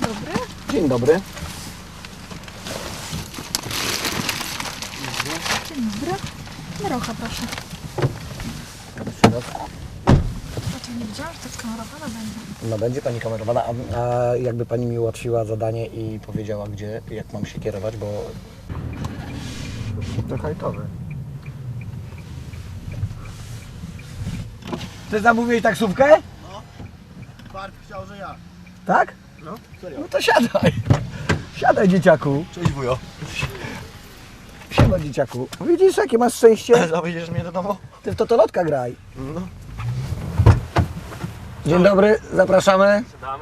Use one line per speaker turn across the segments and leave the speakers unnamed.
dobry.
Dzień dobry.
Dzień dobry. Marocha, proszę.
Jeszcze raz.
A to nie wiedziałam, że tak kamerowana będzie.
No będzie pani kamerowana, a jakby pani mi ułatwiła zadanie i powiedziała gdzie, jak mam się kierować, bo... To hajtowy. Ty zamówiłeś taksówkę?
No. Bart chciał, że ja.
Tak?
No, serio.
No to siadaj. Siadaj, dzieciaku.
Cześć wujo.
Siadaj, dzieciaku. Widzisz, jakie masz szczęście?
Zawieziesz mnie do domu?
Ty w totolotka graj.
No.
Dzień dobry, zapraszamy.
Siadamy.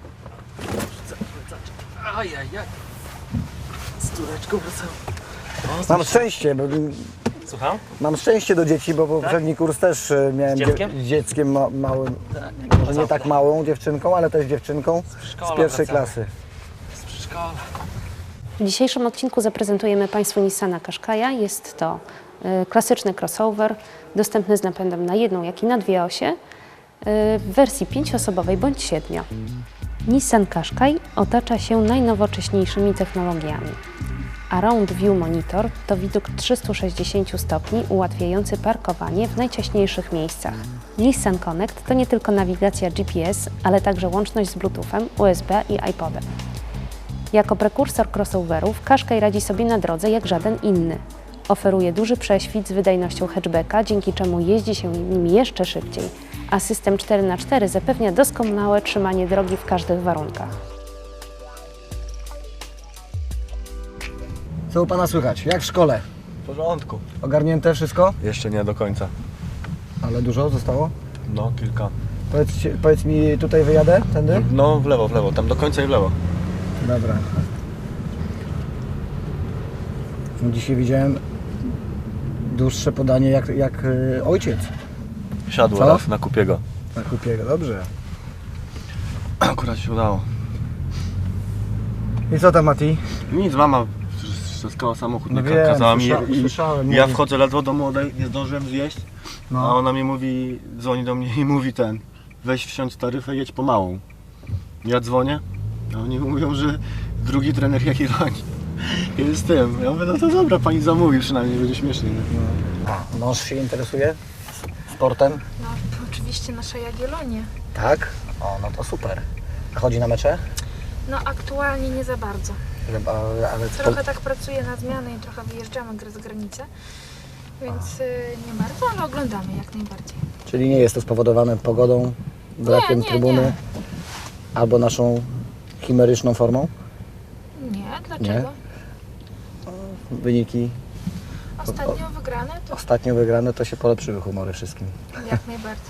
Ajajaj. Z córeczką wracam.
Mam szczęście, bo
Słucham?
mam szczęście do dzieci, bo poprzedni kurs też miałem
Z dzieckiem?
z dzieckiem małym.
Tak.
Może nie tak małą dziewczynką, ale też dziewczynką
przedszkola
z pierwszej
wracamy.
klasy.
Z przedszkola.
W dzisiejszym odcinku zaprezentujemy Państwu Nissana Qashqai'a. Jest to klasyczny crossover, dostępny z napędem na jedną, jak i na dwie osie, w wersji 5-osobowej bądź 7. Nissan Qashqai otacza się najnowocześniejszymi technologiami. Around View Monitor to widok 360 stopni ułatwiający parkowanie w najciaśniejszych miejscach. Nissan Connect to nie tylko nawigacja GPS, ale także łączność z Bluetoothem, USB i iPodem. Jako prekursor crossoverów Qashqai radzi sobie na drodze jak żaden inny. Oferuje duży prześwit z wydajnością hatchbacka, dzięki czemu jeździ się nim jeszcze szybciej, a system 4x4 zapewnia doskonałe trzymanie drogi w każdych warunkach.
Co u pana słychać? Jak w szkole?
W porządku.
Ogarnięte wszystko?
Jeszcze nie do końca.
Ale dużo zostało?
No, kilka.
Powiedz mi, tutaj wyjadę? Tędy?
No, w lewo, tam do końca i w lewo.
Dobra. Dzisiaj widziałem dłuższe podanie jak ojciec
Siadł
Co?
raz na kupiego.
na Kupiego. Dobrze.
Akurat się udało.
I co tam, Mati?
Nic, mama ściskała samochód,
No
nie
wiem,
kazała mi
słyszałem.
ja
mówi.
wchodzę ledwo do młodej, nie zdążyłem zjeść, a
No.
ona mi mówi, dzwoni do mnie i mówi weź wsiądź taryfę, jedź pomałą. Ja dzwonię, a oni mówią, że drugi trener Jagiellonii jest z tym. Ja mówię, no to dobra, pani zamówi, przynajmniej będzie śmiesznie. Nie?
Mąż się interesuje sportem?
No, oczywiście nasze Jagiellonie.
Tak? O, no to super. A chodzi na mecze?
No, aktualnie nie za bardzo.
Ale
Trochę tak pracuję na zmianę i trochę wyjeżdżamy za granicę. Więc nie bardzo, ale oglądamy jak najbardziej.
Czyli nie jest to spowodowane pogodą, brakiem
nie,
trybuny
nie.
albo naszą chimeryczną formą?
Nie, dlaczego?
Wyniki
Ostatnio wygrane to
ostatnio wygrane to się polepszyły humory wszystkim.
jak najbardziej.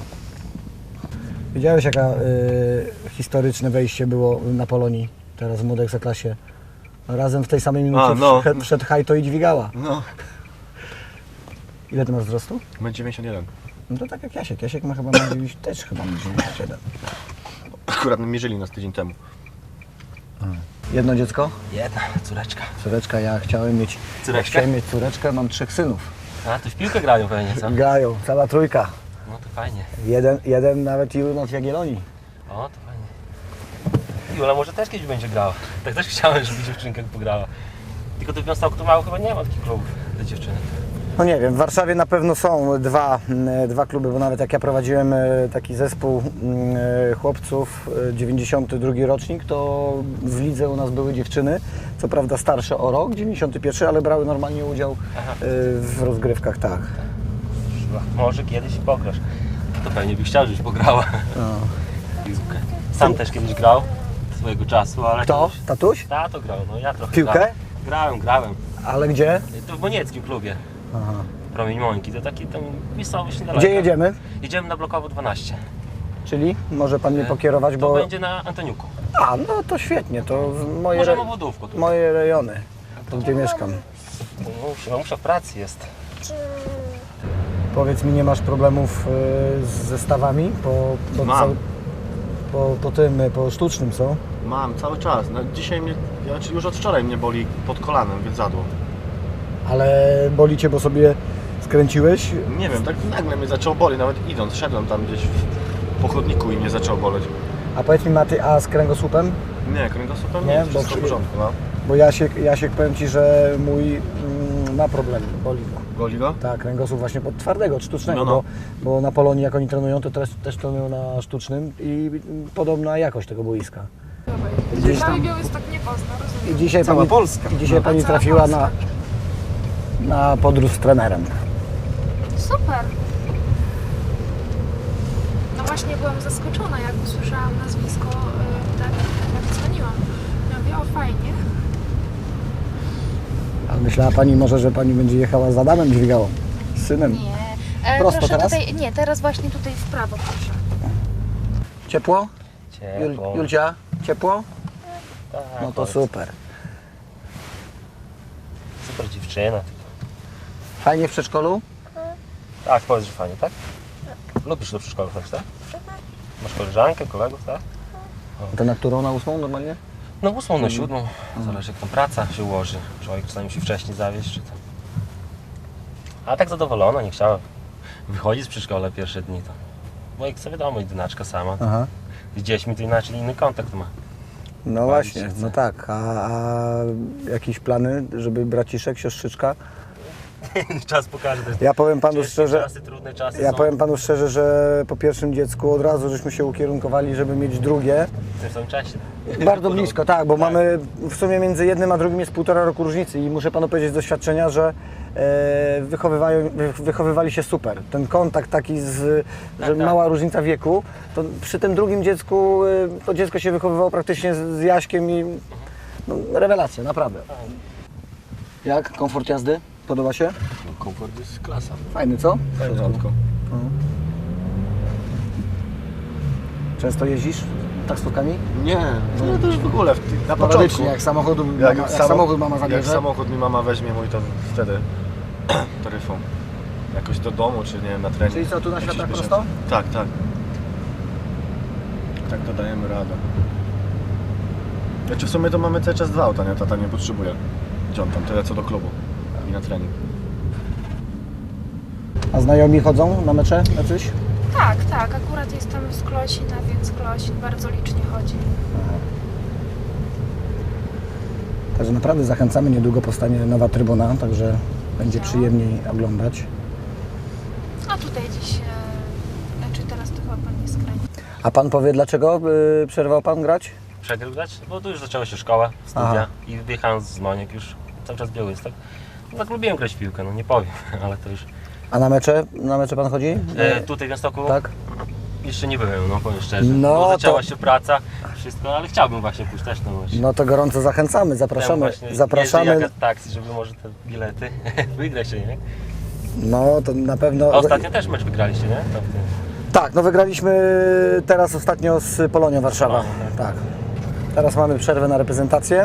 Widziałeś jaka historyczne wejście było na Polonii, teraz w młodej Ekstraklasie. Razem w tej samej minucie
A, no.
wszedł Hajto i dźwigała.
No,
Ile ty masz wzrostu?
będzie 91.
No to tak jak Jasiek. Jasiek ma chyba też chyba ma 97.
Akurat mierzyli nas tydzień temu.
Jedno dziecko?
Jedna córeczka.
Córeczka, ja chciałem mieć córeczkę, mam 3 synów.
A, to w piłkę grają pewnie, co?
Grają, cała trójka.
No to fajnie.
Jeden nawet Jurna w Jagiellonii.
O, to fajnie. Jula może też kiedyś będzie grała. Tak też chciałem, żeby dziewczynka pograła. Tylko tu w Białymstoku mało chyba nie ma takich klubów dla dziewczynek.
No nie wiem, w Warszawie na pewno są dwa kluby, bo nawet jak ja prowadziłem taki zespół chłopców, 92 rocznik, to w lidze u nas były dziewczyny, co prawda starsze o rok, 91, ale brały normalnie udział
Aha.
w rozgrywkach, tak.
Może kiedyś pograsz. To pewnie byś chciał, żebyś pograła.
No.
Piłkę. Sam też kiedyś grał swojego czasu, ale...
Kto?
kiedyś-
Tatuś?
Tato grał, no ja trochę
Piłkę?
Grałem.
Ale gdzie?
To w Monieckim klubie.
Aha.
Promień Mońki, to taki tam miejscowość niedaleko.
Gdzie jedziemy?
Jedziemy na Blokowo 12.
Czyli może pan mnie pokierować,
To
bo...
będzie na Antoniuku.
A, no to świetnie, to
Możemy wodówką tu.
moje rejony, to gdzie mieszkam.
Muszę w pracy jest.
Powiedz mi, nie masz problemów z zestawami
Mam.
po sztucznym, co?
Mam, cały czas. No, dzisiaj mnie, już od wczoraj mnie boli pod kolanem, więc zadło.
Ale boli cię, bo sobie skręciłeś?
Nie wiem, tak nagle mnie zaczęło boleć, nawet idąc, szedłem tam gdzieś po chodniku i mnie zaczęło boleć.
A powiedz mi, Maty, a z kręgosłupem?
Nie, kręgosłupem
Nie,
nie,
bo
wszystko w porządku, no.
Bo Jasiek, powiem Ci, że mój ma problem, boli go.
Goli go?
Tak, kręgosłup właśnie pod twardego, od sztucznego,
No.
bo na Polonii jak oni trenują, to też trenują na sztucznym i podobna jakość tego boiska. Gdzieś
Cały
tam-
Białystok nie pozna, rozumiem.
I dzisiaj
Cała
pani,
Polska.
I dzisiaj
A
pani
cała
trafiła
Polska.
na podróż z trenerem.
Super. No właśnie byłam zaskoczona, jak usłyszałam nazwisko, tak jak dzwoniłam. Ja mówię, o fajnie.
A myślała pani może, że pani będzie jechała z Adamem Dźwigałą, z synem?
Nie.
Prosto
Proszę
teraz?
tutaj, nie, teraz właśnie tutaj w prawo, proszę.
Ciepło?
Ciepło.
Julcia, ciepło?
Tak,
No to
powiedz.
super.
Super dziewczyna.
Fajnie w przedszkolu?
Tak, powiedz, że fajnie, tak? Lubisz do przedszkola chodzić, tak? Masz koleżankę, kolegów, tak?
To na którą? Na 8 normalnie?
No 8, na 7, zależy jak tam praca się ułoży. Człowiek czasami musi wcześniej zawieźć, czy tam. A tak zadowolona, nie chciała wychodzić z przedszkola pierwsze dni to. Bo jak sobie wiadomo, jedynaczka sama.
Aha.
Z dziećmi to inaczej inny kontakt ma.
No właśnie,
chce.
no tak. A jakieś plany, żeby braciszek, siostrzyczka?
Czas pokaże. To jest
Ja powiem panu
ciężkie
szczerze,
czasy, trudne czasy
ja
są.
powiem panu szczerze, że po pierwszym dziecku od razu żeśmy się ukierunkowali, żeby mieć drugie.
W tym samym czasie.
Bardzo blisko, tak, bo mamy w sumie między jednym a drugim jest 1,5 roku różnicy i muszę panu powiedzieć z doświadczenia, że wychowywali się super. Ten kontakt taki, że
tak.
mała różnica wieku, to przy tym drugim dziecku to dziecko się wychowywało praktycznie z Jaśkiem i no, rewelacja, naprawdę. Jak? Komfort jazdy? Podoba się?
No, komfort jest klasa.
Fajny, co?
W porządku.
Często jeździsz taksówkami?
Nie, no to już w ogóle na początku.
Sporadycznie, jak samochód mama
Jak
zabierze.
samochód mi mama weźmie mój, to wtedy taryfą. Jakoś do domu, czy nie wiem, na trening.
Czyli co, tu na
Jak się
światach
śpieszę.
prosto?
Tak, tak. Tak, to dajemy radę. Znaczy w sumie to mamy cały czas 2 auta, nie? Tata nie potrzebuje. Gdzie on tam, tyle co do klubu i na trening.
A znajomi chodzą na mecze jacyś?
Tak, tak, akurat jestem z Klosina, więc Klosin bardzo licznie chodzi.
Także naprawdę zachęcamy, niedługo powstanie nowa trybuna, także będzie przyjemniej oglądać.
A tutaj dziś, znaczy teraz to chyba pan nie skręci.
A pan powie, dlaczego przerwał pan grać?
Przegrył grać? Bo tu już zaczęła się szkoła, studia
Aha.
i wyjechałem z Moniek już cały czas Białystok. No, tak lubiłem grać w piłkę, no nie powiem, ale to już...
A na mecze pan chodzi?
Tutaj w Białymstoku
Tak?
jeszcze nie byłem, no powiem szczerze.
No
bo zaczęła
to-
się praca, wszystko, ale chciałbym właśnie pójść też na mecz.
No to gorąco zachęcamy, zapraszamy.
Zapraszamy. Jeżdżę jak taksi, żeby może te bilety wygrać się, nie?
No to na pewno.
A ostatnio też mecz wygraliście, nie? Tam w tym.
Tak, no wygraliśmy teraz ostatnio z Polonią Warszawa.
Polonią, tak.
Tak. Teraz mamy przerwę na reprezentację.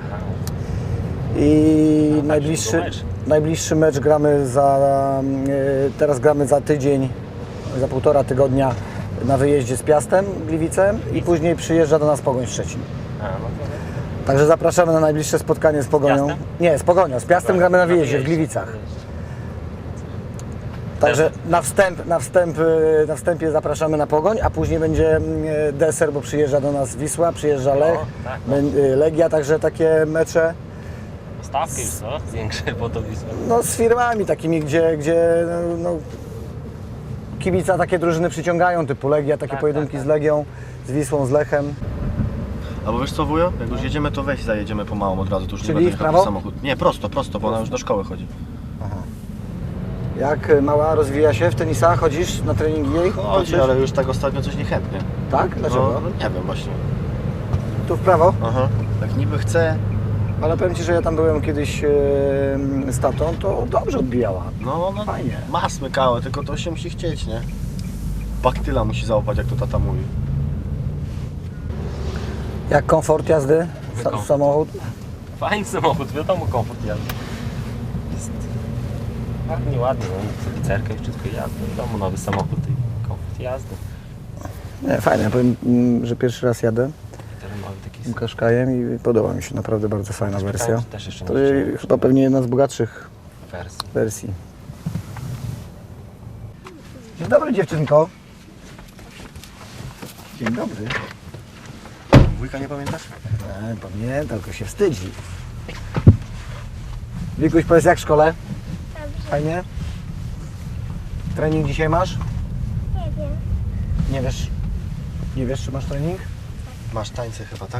I najbliższy mecz gramy teraz gramy za tydzień, za 1,5 tygodnia na wyjeździe z Piastem Gliwicem i później przyjeżdża do nas Pogoń Szczecin.
A, no to...
Także zapraszamy na najbliższe spotkanie z Pogonią.
Piastem?
Nie, z Pogonią. Z Piastem gramy na wyjeździe w Gliwicach. Także na wstępie zapraszamy na Pogoń, a później będzie deser, bo przyjeżdża do nas Wisła, przyjeżdża Lech,
tak,
Legia, także takie mecze
Stawkę już co? Większe po to Wisła.
no, z firmami takimi, gdzie no, kibica takie drużyny przyciągają, typu Legia, takie
Tak,
pojedynki
tak,
z Legią, z Wisłą, z Lechem.
Albo wiesz co, wujo? Jak już jedziemy, to weź zajedziemy pomału od razu, to już
Czyli
nie będę
w
jechał
prawo?
samochód. Nie, prosto, bo ona już do szkoły chodzi.
Jak mała rozwija się w tenisa? Chodzisz na treningi jej?
Chodzi,
Patrzysz?
ale już tak ostatnio coś niechętnie.
Tak? Dlaczego?
No, nie wiem właśnie.
Tu w prawo?
Aha. Tak niby chce,
Ale powiem Ci, że ja tam byłem kiedyś z tatą, to dobrze odbijała.
no
Fajnie.
ma smykałe, tylko to się musi chcieć, nie? Baktyla musi załapać, jak to tata mówi.
Jak komfort jazdy?
Komfort.
Samochód?
Fajny samochód, wiadomo, komfort jazdy. Jest ładnie, no, licerka i wszystko jazdy. Wiadomo, nowy samochód i komfort jazdy.
Nie, fajnie. Ja powiem, że pierwszy raz jadę
Terenowy taki
tym Qashqaiem i podoba mi się. Naprawdę bardzo fajna wersja.
Też jeszcze nie
To
widziałem
chyba pewnie jedna z bogatszych
wersji.
wersji. Dzień dobry, dziewczynko. Dzień dobry.
Wujka nie pamiętasz?
Pamiętam, tylko się wstydzi. Wikuś, powiedz jak w szkole?
Dobrze.
Fajnie? Trening dzisiaj masz?
Nie wiem.
Nie wiesz? Nie wiesz, czy masz trening?
Masz tańce chyba, tak?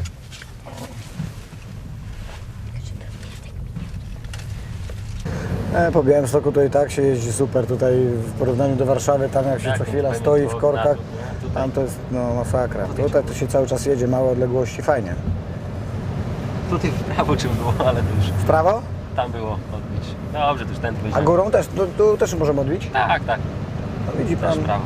Po Białymstoku to i tak się jeździ super. Tutaj w porównaniu do Warszawy, tam jak się co chwila stoi w korkach, tam to jest no, masakra. Tutaj to się cały czas jedzie, małe odległości, fajnie.
Tutaj w prawo czym było, ale to już
W prawo?
tam było odbić. Dobrze, to już ten
A
powiedziałem.
górą też? Tu też możemy odbić?
Tak, tak.
No, widzi
Też
pan.
w prawo.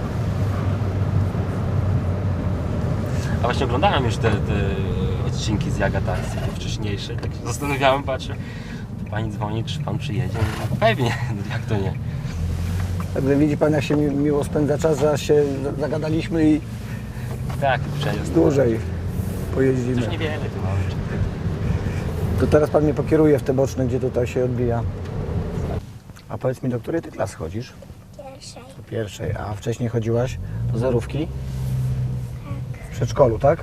A właśnie oglądałem już te odcinki z Jagatacji, te wcześniejsze. Tak się zastanawiałem, patrzę. Pani dzwoni, czy pan przyjedzie? No, pewnie, jak to nie.
Także widzi pan, jak się miło spędza czas, że aż się zagadaliśmy i
Tak, przejazd.
dłużej
Już
pojeździmy.
niewiele tu mamy.
To teraz pan mnie pokieruje w te boczne, gdzie tutaj się odbija. A powiedz mi, do której ty klasy chodzisz?
Pierwszej.
Do pierwszej. A wcześniej chodziłaś do zerówki? W przedszkolu, tak?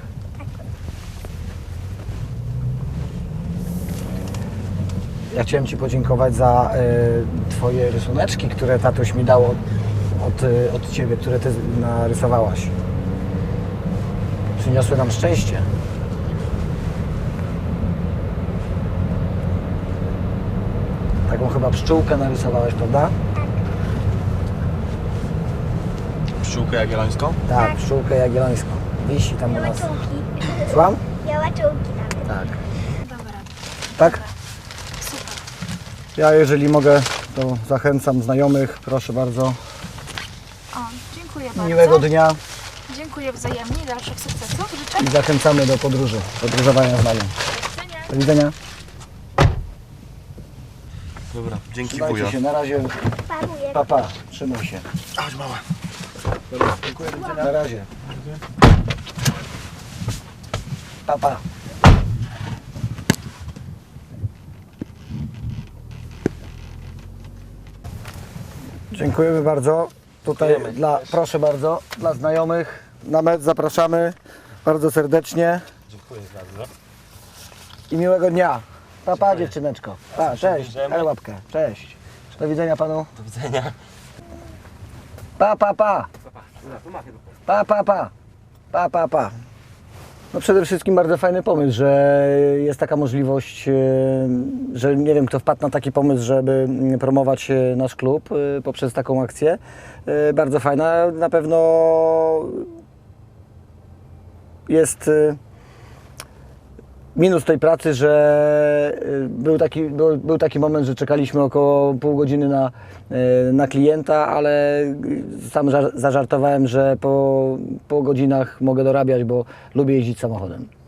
Ja chciałem ci podziękować za twoje rysuneczki, które tatuś mi dał od ciebie, które ty narysowałaś. Przyniosły nam szczęście. Taką chyba pszczółkę narysowałeś, prawda?
Pszczółkę jagiellońską?
Tak, pszczółkę jagiellońską. Wisi tam u nas.
Białaczułki.
Słucham?
Białaczułki nawet.
Tak.
Dobra,
Tak?
super.
Ja jeżeli mogę, to zachęcam znajomych, proszę bardzo.
O, dziękuję bardzo.
Miłego dnia
Dziękuję wzajemnie i dalszych sukcesów. Życzę.
i zachęcamy do podróży, podróżowania z nami.
Do widzenia.
Do widzenia.
Dobra, dzięki
Trzymajcie
wujo.
się, na razie.
Paruję.
Papa, trzymaj się.
Chodź mała.
Dobra, dziękuję, do widzenia. Na razie. Papa. Dziękujemy bardzo. Tutaj
Dziękujemy.
proszę bardzo, dla znajomych na mecz zapraszamy bardzo serdecznie
Dziękuję bardzo.
i miłego dnia. Papa, dziewczyneczko. Pa, cześć,
Idziemy.
daj łapkę. Cześć. Do widzenia panu.
Do widzenia.
Pa, pa, pa. Pa, pa, pa. Pa, pa, pa. No przede wszystkim bardzo fajny pomysł, że jest taka możliwość, że nie wiem kto wpadł na taki pomysł, żeby promować nasz klub poprzez taką akcję. Bardzo fajna. Na pewno jest minus tej pracy, że był taki moment, że czekaliśmy około pół godziny na klienta, ale sam zażartowałem, że po godzinach mogę dorabiać, bo lubię jeździć samochodem.